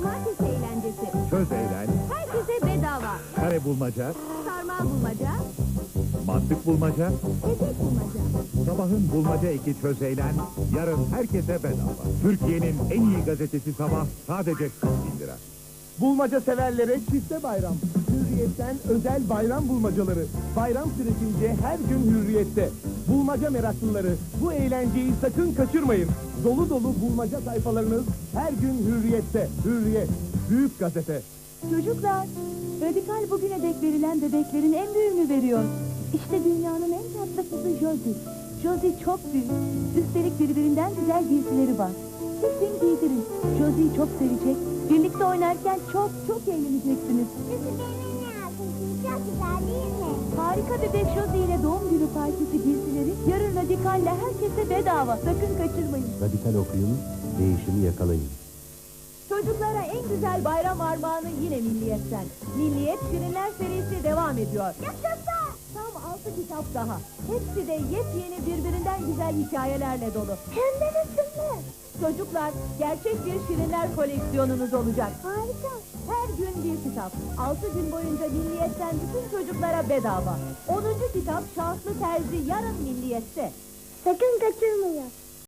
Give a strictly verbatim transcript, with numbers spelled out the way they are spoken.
Cumartesi eğlencesi. Çöz eğlen, Herkese bedava. kare bulmaca, Sarmal bulmaca, mantık bulmaca, etek bulmaca. sabahın bulmaca eki çöz eğlen, yarın herkese bedava. Türkiye'nin en iyi gazetesi Sabah sadece kırk bin lira. Bulmaca severlere çifte bayram. Hürriyetten özel bayram bulmacaları. Bayram süresince her gün Hürriyet'te. Bulmaca meraklıları bu eğlenceyi sakın kaçırmayın. Dolu dolu bulmaca sayfalarınız her gün Hürriyet'te. Hürriyet, büyük gazete. Çocuklar, Radikal bugüne dek verilen bebeklerin en büyüğünü veriyor. İşte dünyanın en tatlı kızı Josie. Josie çok büyük. Üstelik birbirinden güzel giysileri var. Kesin giydirin. Josie'yi çok sevecek. Birlikte oynarken çok çok eğleneceksiniz. Çok güzel değil mi? Harika bebek Josie ile doğum günü partisi giysileri yarın Radikal'le herkese bedava. Sakın kaçırmayın. Radikal okuyun, değişimi yakalayın. Çocuklara en güzel bayram armağanı yine Milliyet'ten. Milliyet Şirinler serisi devam ediyor. Yaşasın! Tam altı kitap daha. Hepsi de yepyeni birbirinden güzel hikayelerle dolu. Hem de nasıl? Çocuklar, gerçek bir Şirinler koleksiyonunuz olacak. Harika. Her gün bir kitap. Altı gün boyunca Milliyet'ten bütün çocuklara bedava. Onuncu kitap Şanslı Terzi yarın Milliyet'te. Sakın kaçırmayın.